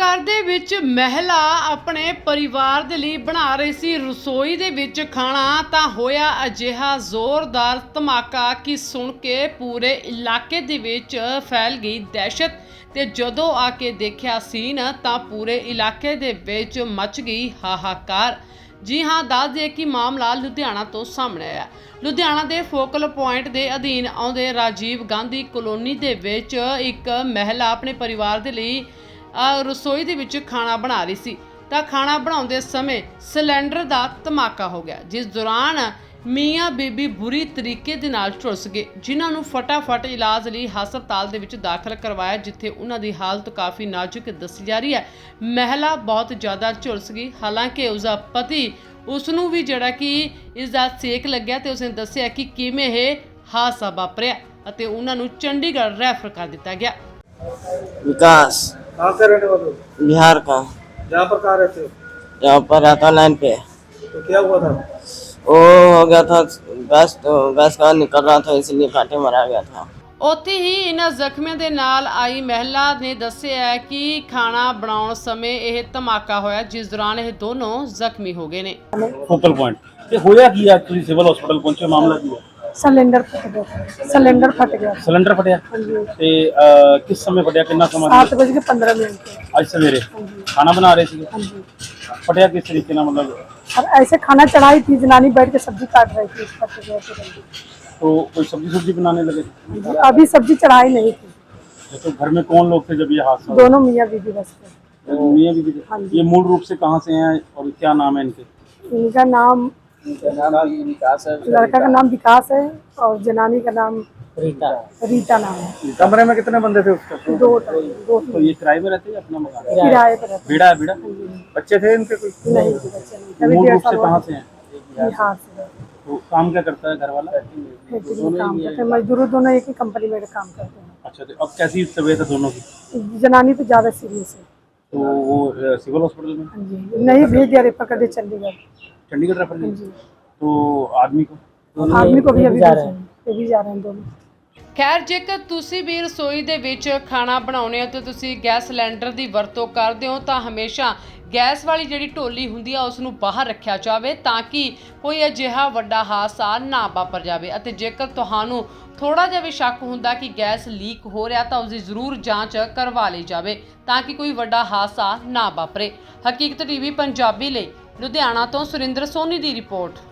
ਘਰ ਦੇ ਵਿੱਚ ਮਹਿਲਾ ਆਪਣੇ ਪਰਿਵਾਰ ਦੇ ਲਈ ਬਣਾ ਰਹੀ ਸੀ ਰਸੋਈ ਦੇ ਵਿੱਚ ਖਾਣਾ ਤਾਂ ਹੋਇਆ ਅਜਿਹਾ ਜ਼ੋਰਦਾਰ ਧਮਾਕਾ ਕਿ ਸੁਣ ਕੇ ਪੂਰੇ ਇਲਾਕੇ ਦੇ ਵਿੱਚ ਫੈਲ ਗਈ ਦਹਿਸ਼ਤ ਤੇ ਜਦੋਂ ਆ ਕੇ ਦੇਖਿਆ ਸੀਨ ਤਾਂ ਪੂਰੇ ਇਲਾਕੇ ਦੇ ਵਿੱਚ ਮਚ ਗਈ ਹਾਹਾਕਾਰ। ਜੀ ਹਾਂ, ਦੱਸ ਦਈਏ ਕਿ ਮਾਮਲਾ ਲੁਧਿਆਣਾ ਤੋਂ ਸਾਹਮਣੇ ਆਇਆ। ਲੁਧਿਆਣਾ ਦੇ ਫੋਕਲ ਪੁਆਇੰਟ ਦੇ ਅਧੀਨ ਆਉਂਦੇ ਰਾਜੀਵ ਗਾਂਧੀ ਕਲੋਨੀ ਦੇ ਵਿੱਚ ਇੱਕ ਮਹਿਲਾ ਆਪਣੇ ਪਰਿਵਾਰ ਦੇ ਲਈ ਰਸੋਈ ਦੇ ਵਿੱਚ ਖਾਣਾ ਬਣਾ ਰਹੀ ਸੀ ਤਾਂ ਖਾਣਾ ਬਣਾਉਂਦੇ ਸਮੇਂ ਸਿਲੰਡਰ ਦਾ ਧਮਾਕਾ ਹੋ ਗਿਆ, ਜਿਸ ਦੌਰਾਨ ਮੀਆਂ ਬੀਬੀ ਬੁਰੀ ਤਰੀਕੇ ਦੇ ਨਾਲ ਝੁਲਸ ਗਏ, ਜਿਨ੍ਹਾਂ ਨੂੰ ਫਟਾਫਟ ਇਲਾਜ ਲਈ ਹਸਪਤਾਲ ਦੇ ਵਿੱਚ ਦਾਖਲ ਕਰਵਾਇਆ, ਜਿੱਥੇ ਉਹਨਾਂ ਦੀ ਹਾਲਤ ਕਾਫੀ ਨਾਜ਼ੁਕ ਦੱਸੀ ਜਾ ਰਹੀ ਹੈ। ਮਹਿਲਾ ਬਹੁਤ ਜ਼ਿਆਦਾ ਝੁਲਸ ਗਈ, ਹਾਲਾਂਕਿ ਉਸਦਾ ਪਤੀ ਉਸ ਨੂੰ ਵੀ ਜਿਹੜਾ ਕਿ ਇਸ ਦਾ ਸੇਕ ਲੱਗਿਆ ਤੇ ਉਸਨੇ ਦੱਸਿਆ ਕਿ ਕਿਵੇਂ ਇਹ ਹਾਦਸਾ ਵਾਪਰਿਆ ਅਤੇ ਉਹਨਾਂ ਨੂੰ ਚੰਡੀਗੜ੍ਹ ਰੈਫਰ ਕਰ ਦਿੱਤਾ ਗਿਆ। विकास कहाँ से रहने वाले हो? बिहार का। यहाँ पर कहाँ रहते हो? यहाँ पर रहता लाइन पे। तो क्या हुआ था? वो हो गया था गैस का निकल रहा था, इसलिए कांटे मारा गया था। ਉੱਥੇ ਹੀ ਇਹਨਾਂ ਜ਼ਖਮੀਆਂ ਦੇ ਨਾਲ ਆਈ ਮਹਿਲਾ ਨੇ ਦੱਸਿਆ ਹੈ ਕਿ ਖਾਣਾ ਬਣਾਉਣ ਸਮੇਂ ਇਹ ਧਮਾਕਾ ਹੋਇਆ, ਜਿਸ ਦੌਰਾਨ ਇਹ ਦੋਨੋਂ ਜ਼ਖਮੀ ਹੋ ਗਏ ਨੇ। ਫੋਕਲ ਪੁਆਇੰਟ ਤੇ ਹੋਇਆ ਕੀ ਆ? ਤੁਸੀਂ ਸਿਵਲ ਹਸਪੀਟਲ ਪਹੁੰਚੇ, ਮਾਮਲਾ ਕੀ ਹੈ? सिलेंडर फट गया। सिलेंडर फट गया। ਸਿਲੰਡਰ ਫਟਿਆ हाँ जी। ਤੇ ਕਿਸ ਸਮੇਂ ਫਟਿਆ? ਕਿੰਨਾ ਸਮਾਂ? 7:15 ਅੱਜ ਸਵੇਰੇ हाँ जी। ਖਾਣਾ ਬਣਾ ਰਹੇ ਸੀ। हाँ जी। ਫਟਿਆ ਕਿਸ ਤਰੀਕੇ ਨਾਲ? मतलब और ऐसे खाना चढ़ाई थी, जनानी बैठ के सब्जी काट रही थी, फट गया तुरंत। तो कोई सब्जी बनाने लगे? हाँ जी। अभी सब्जी चढ़ाई नहीं थी। तो घर में कौन लोग थे जब ये हादसा हुआ? दोनों मियाँ बीबी बस थे। मियां बीवी थे। हाँ जी। ये मूल रूप से कहाँ से हैं और क्या नाम है इनके? इनका नाम, लड़का का नाम विकास है और जनानी का नाम रीता नाम है। कमरे में कितने बंदे थे उसके? दो तो ये किराए में रहते हैं या अपना मकान? किराए पर रहते बीड़ा है बीड़ा? बच्चे थे इनके कोई? हैं। नहीं बच्चे नहीं, अभी मूल 1.5 रूप से साल कहाँ हुआ। से हैं? बिहार से। तो काम क्या करता है घर वाला? फैक्ट्री में काम करते हैं, मजदूर दोनों एक ही कंपनी में काम करते हैं। अच्छा, तो अब कैसी तबीयत है दोनों की? जनानी तो ज्यादा सीरियस है। तो वो सिविल हॉस्पिटल में हाँ जी। नहीं भेज दिया, रेफर कर दिया चंडीगढ़। चंडीगढ़ रेफर हाँ किया। जी। तो आदमी को आदमी को भी अभी जा रहे हैं, ये भी जा रहे हैं दोनों। ਖੈਰ, ਜੇਕਰ ਤੁਸੀਂ ਵੀ ਰਸੋਈ ਦੇ ਵਿੱਚ ਖਾਣਾ ਬਣਾਉਂਦੇ ਹੋ ਤੇ ਤੁਸੀਂ ਗੈਸ ਸਿਲੰਡਰ ਦੀ ਵਰਤੋਂ ਕਰਦੇ ਹੋ ਤਾਂ ਹਮੇਸ਼ਾ ਗੈਸ ਵਾਲੀ ਜਿਹੜੀ ਢੋਲੀ ਹੁੰਦੀ ਆ ਉਸ ਨੂੰ ਬਾਹਰ ਰੱਖਿਆ ਜਾਵੇ ਤਾਂ ਕਿ ਕੋਈ ਅਜਿਹਾ ਵੱਡਾ ਹਾਦਸਾ ਨਾ ਵਾਪਰ ਜਾਵੇ। ਅਤੇ ਜੇਕਰ ਤੁਹਾਨੂੰ ਥੋੜਾ ਜਿਹਾ ਵੀ ਸ਼ੱਕ ਹੁੰਦਾ ਕਿ ਗੈਸ ਲੀਕ ਹੋ ਰਿਹਾ ਤਾਂ ਉਸ ਦੀ ਜ਼ਰੂਰ ਜਾਂਚ ਕਰਵਾ ਲਈ ਜਾਵੇ ਤਾਂ ਕਿ ਕੋਈ ਵੱਡਾ ਹਾਦਸਾ ਨਾ ਵਾਪਰੇ। ਹਕੀਕਤ ਟੀਵੀ ਪੰਜਾਬੀ ਲਈ ਲੁਧਿਆਣਾ ਤੋਂ ਸੁਰਿੰਦਰ ਸੋਨੀ ਦੀ ਰਿਪੋਰਟ।